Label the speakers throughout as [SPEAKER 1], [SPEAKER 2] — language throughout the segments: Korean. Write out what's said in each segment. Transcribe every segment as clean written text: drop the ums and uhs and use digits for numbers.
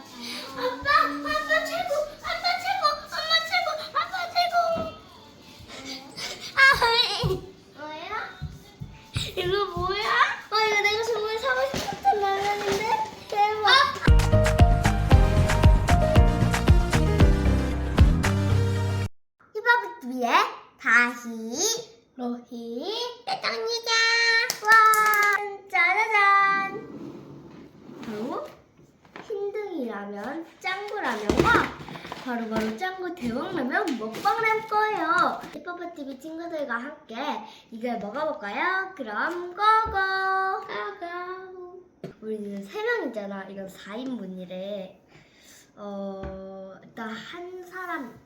[SPEAKER 1] 아빠 최고! 아빠 최고! 엄마 최고! 아빠 최고! 아, 뭐야? 이거 뭐야? 이거 내가 정말 사고 싶었던 라면인데? 대박! 히바부뚜비의 다시 로히 대장이자 와 짜자잔 바로 흰둥이라면 짱구라면과 바로 짱구 대왕라면 먹방을 할 거예요. 히바부뚜비 친구들과 함께 이걸 먹어볼까요? 그럼 고고! 우리는 3명이잖아. 이건 4인분이래. 일단 한 사람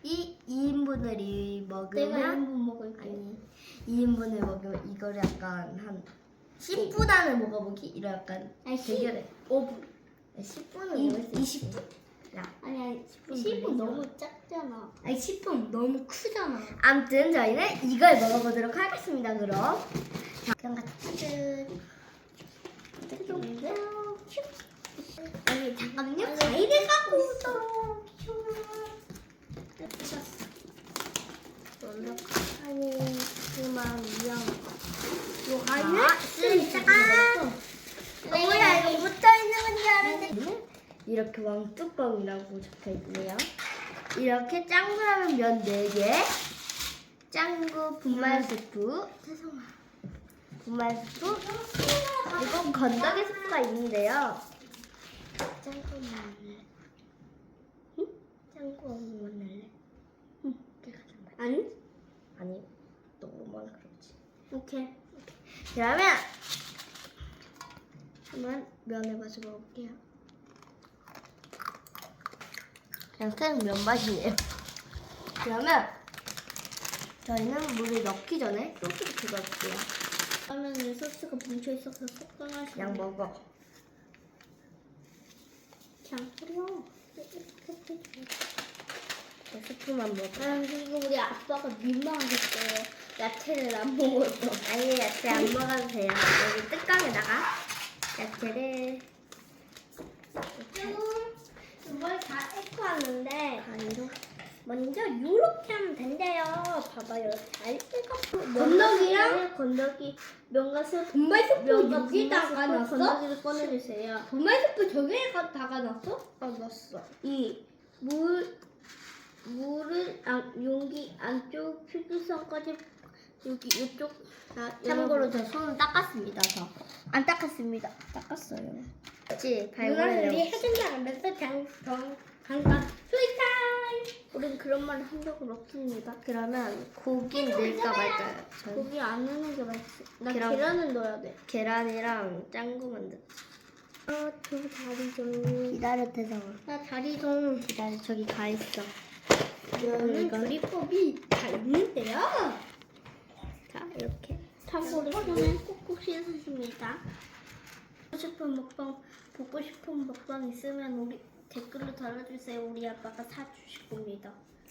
[SPEAKER 1] 2인분을 먹으면
[SPEAKER 2] 내가 1인분 먹을게.
[SPEAKER 1] 아니 2인분을 먹으면 이거를 약간 한 10분 안에 먹어보기? 이런 약간
[SPEAKER 2] 아니,
[SPEAKER 1] 대결해.
[SPEAKER 2] 5분.
[SPEAKER 1] 10분은 먹을 수
[SPEAKER 2] 20분.
[SPEAKER 1] 야,
[SPEAKER 2] 아니
[SPEAKER 1] 10분
[SPEAKER 2] 10분
[SPEAKER 1] 걸리죠?
[SPEAKER 2] 너무 작잖아.
[SPEAKER 1] 아니 10분 너무 크잖아. 아무튼 저희는 이걸 먹어보도록 하겠습니다. 그럼 자, 그럼 같이 아니 잠깐만요. 과일을 갖고 있어. 아니 그만 위험. 요 과일을 쓰다가 뭐야 이거 붙어 있는 건지 알았는데 이렇게 왕뚜껑이라고 적혀 있네요. 이렇게 짱구라면 면 4개, 짱구 분말 스프, 분말 스프, 그리고 건더기 스프가 있는데요. 짱구 먹을래? 응? 짱구 먹을래? 응. 아니, 너무만 그렇지.
[SPEAKER 2] 오케이.
[SPEAKER 1] 그러면 한번 면을 마셔 먹을게요. 그냥 생 면 맛이에요. 그러면 저희는 물을 넣기 전에 소스부터 넣을게요.
[SPEAKER 2] 그러면 소스가 뭉쳐 있어서 속상하시.
[SPEAKER 1] 그냥 먹어.
[SPEAKER 2] 그냥 뿌려.
[SPEAKER 1] 저 스프만 먹어.
[SPEAKER 2] 그리고 우리 아빠가 민망하겠어요. 야채를 안 먹어서.
[SPEAKER 1] 아니 야채 안 먹어도 돼요. 여기 뚜껑에다가 야채를
[SPEAKER 2] 이걸 다 echo 왔는데
[SPEAKER 1] 가위로
[SPEAKER 2] 먼저 이렇게 하면 된대요. 봐봐요. 잘 익었고 건더기 면과 스프
[SPEAKER 1] 분말스프
[SPEAKER 2] 여기다가 넣었어? 건더기를 꺼내주세요.
[SPEAKER 1] 분말스프 저기에 다가 넣었어?
[SPEAKER 2] 넣었어. 물을 용기 안쪽 필기선까지 여기 이쪽
[SPEAKER 1] 참고로 저 손은 닦았습니다. 저 안 닦았습니다.
[SPEAKER 2] 닦았어요.
[SPEAKER 1] 그렇지.
[SPEAKER 2] 누나 우리
[SPEAKER 1] 발골하려고.
[SPEAKER 2] 해준다 하면서 잠깐 스윗타임. 우린 그런 말을 한 적은 없습니다.
[SPEAKER 1] 그러면 고기 넣을까 말까요? 전
[SPEAKER 2] 고기 안 넣는 게 맛있어. 나
[SPEAKER 1] 계란-
[SPEAKER 2] 계란은 넣어야 돼.
[SPEAKER 1] 계란이랑 짱구만 넣.
[SPEAKER 2] 두 다리 좀.
[SPEAKER 1] 기다려 태성아.
[SPEAKER 2] 나 다리 좀.
[SPEAKER 1] 기다려 저기 가 있어.
[SPEAKER 2] 이거는 조리법이 다 있는데요.
[SPEAKER 1] 자 이렇게.
[SPEAKER 2] 참고로 손은 꾹꾹 씻으십니다. 보고 싶은 먹방 있으면 우리 댓글로 달아주세요. 우리 아빠가 사주실 겁니다.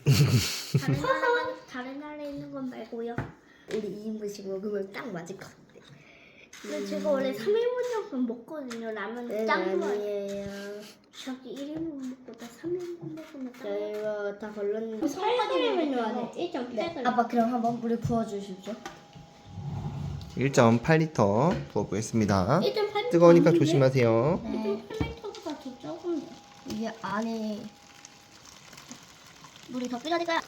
[SPEAKER 2] 다른 나라에 있는 건 말고요.
[SPEAKER 1] 우리 2인분씩 먹으면 딱 맞을 것 같아.
[SPEAKER 2] 근데 제가 원래 3인분 정도 먹거든요. 라면 짱 좋아해요.
[SPEAKER 1] 아니에요.
[SPEAKER 2] 저기 1인분 먹고 나 3인분 먹으면 짱
[SPEAKER 1] 저희가 다 걸렀는데.
[SPEAKER 2] 8g을 넣어야 돼. 1.8g.
[SPEAKER 1] 네. 아빠 그럼 한번 물에 부어주십시오.
[SPEAKER 3] 1.8리터 부어보겠습니다.
[SPEAKER 2] 1.8g.
[SPEAKER 3] 뜨거우니까 조심하세요.
[SPEAKER 1] 네.
[SPEAKER 2] 1.8g보다 더 적은데.
[SPEAKER 1] 이게 안에 물이 더 끓여질까요?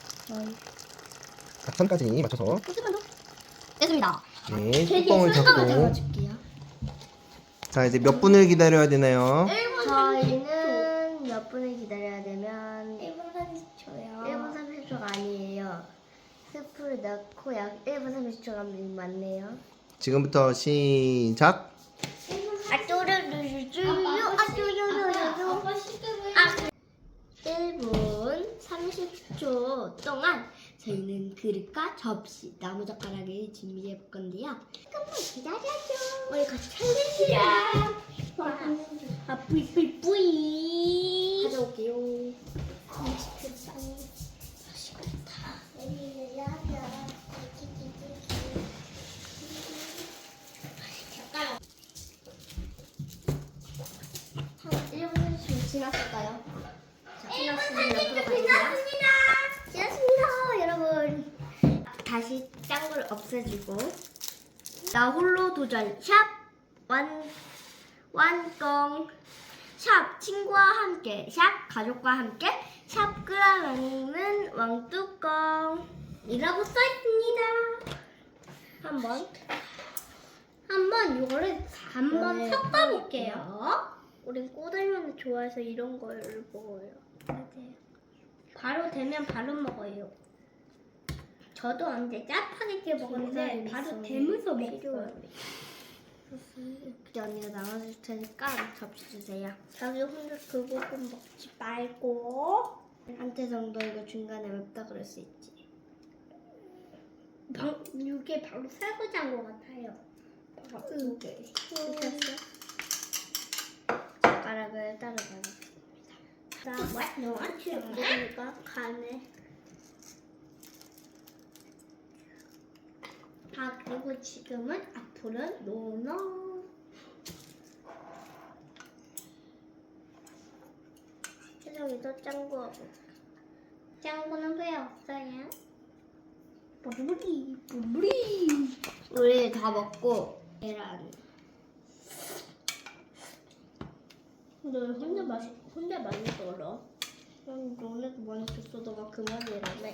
[SPEAKER 3] 자, 선까지 맞춰서
[SPEAKER 1] 조금만 더. 됐습니다.
[SPEAKER 3] 네, 뚜껑을 닫고
[SPEAKER 1] 잡아줄게요.
[SPEAKER 3] 자 이제 몇 분을 기다려야 되나요?
[SPEAKER 1] 저희는 몇 분을 기다려야 되면
[SPEAKER 2] 1분 30초요.
[SPEAKER 1] 1분 30초가 아니에요. 스프를 넣고 약 1분 30초가 맞네요.
[SPEAKER 3] 지금부터 시작.
[SPEAKER 2] 아빠 시끄러워요.
[SPEAKER 1] 1분 30초 동안 저희는 그릇과 접시, 나무젓가락을 준비해 볼 건데요. 조금만 기다려줘. 우리 같이 챌린지야.
[SPEAKER 2] 뿌이.
[SPEAKER 1] 가져올게요.
[SPEAKER 2] 맛있겠다.
[SPEAKER 1] 한 1분 30초 지났을까요? 자,
[SPEAKER 2] 지났습니다.
[SPEAKER 1] 지났습니다, 여러분. 다시 짱구를 없애주고 나 홀로 도전 샵 완công 샵 친구와 함께 샵 가족과 함께 샵 끓여먹는 왕뚜껑 이라고 써있습니다.
[SPEAKER 2] 한번 이거를 한번
[SPEAKER 1] 네,
[SPEAKER 2] 섞어볼게요. 우린 꼬들면을 좋아해서 이런 걸 먹어요.
[SPEAKER 1] 맞아요.
[SPEAKER 2] 바로 되면 바로 먹어요. 저도 언제 짜파게티 먹었는데
[SPEAKER 1] 김살이
[SPEAKER 2] 바로
[SPEAKER 1] 있어요.
[SPEAKER 2] 되면서
[SPEAKER 1] 필요해요.
[SPEAKER 2] 먹어요.
[SPEAKER 1] 이제 언니가 나눠줄 테니까 접시 주세요.
[SPEAKER 2] 자기 혼자 그거 좀 먹지 말고.
[SPEAKER 1] 한테 정도 이거 중간에 맵다 그럴 수 있지.
[SPEAKER 2] 이게 바로 설거지한 것 같아요.
[SPEAKER 1] 오케이.
[SPEAKER 2] 됐어?
[SPEAKER 1] 젓가락을 따로 넣어주겠습니다.
[SPEAKER 2] 너한테 먹으니까 가네. 그리고 지금은 앞으로는 노노.
[SPEAKER 1] 세상에도 짱구하고
[SPEAKER 2] 짱구는 왜 없어요?
[SPEAKER 1] 뿌리 우리 다 먹고 계란.
[SPEAKER 2] 너 혼자 많이 떨어.
[SPEAKER 1] 그럼 너네도 많이 줬어. 너가 그만이라며.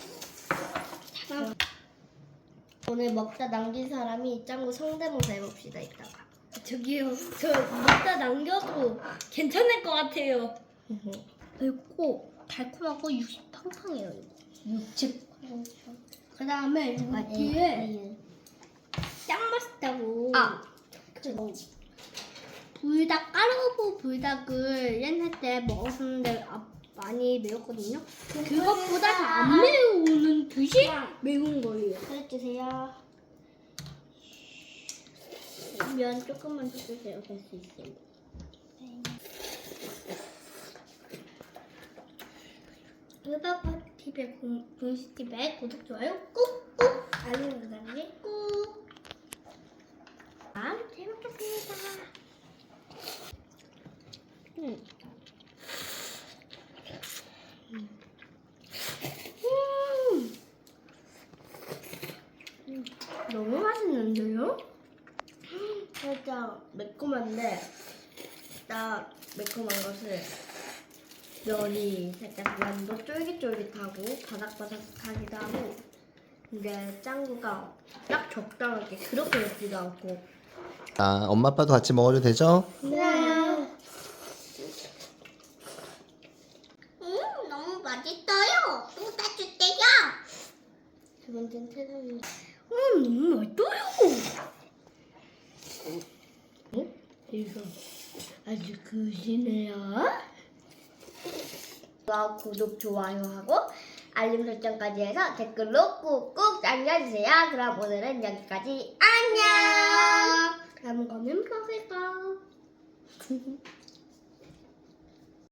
[SPEAKER 1] 오늘 먹다 남긴 사람이 짱구 성대모사 해봅시다 이따가.
[SPEAKER 2] 저기요, 저 먹다 남겨도 괜찮을 것 같아요. 맵고 달콤하고 육즙 팡팡해요.
[SPEAKER 1] 육즙.
[SPEAKER 2] 그 다음에 여기에 짱 맛있다고. 불닭 까르보 불닭을 옛날 때 먹었었는데 많이 매웠거든요. 그것보다 더 안 매우는 듯이 매운 거예요.
[SPEAKER 1] 해주세요.
[SPEAKER 2] 면 조금만 더 주세요. 될 수 있어요. 유바바TV의 공식TV에 구독, 좋아요 꾹꾹, 알림 설정까지 꾹. 잘 먹겠습니다.
[SPEAKER 1] 너무 맛있는데요? 살짝 매콤한데 딱 매콤한 것을 면이 살짝 면도 쫄깃쫄깃하고 바삭바삭하기도 하고 근데 짱구가 딱 적당하게 그렇게 맵지도 않고
[SPEAKER 3] 아, 엄마 아빠도 같이 먹어도 되죠?
[SPEAKER 1] 네.
[SPEAKER 2] 너무 맛있어요. 또 사줄게요.
[SPEAKER 1] 두 번째는 태산이
[SPEAKER 2] 너무 맛있어요.
[SPEAKER 1] 이거 아주 그시네요. 구독, 좋아요하고 알림 설정까지 해서 댓글로 꾹꾹 남겨주세요. 그럼 오늘은 여기까지. 안녕.
[SPEAKER 2] 다음 거는 먹을까?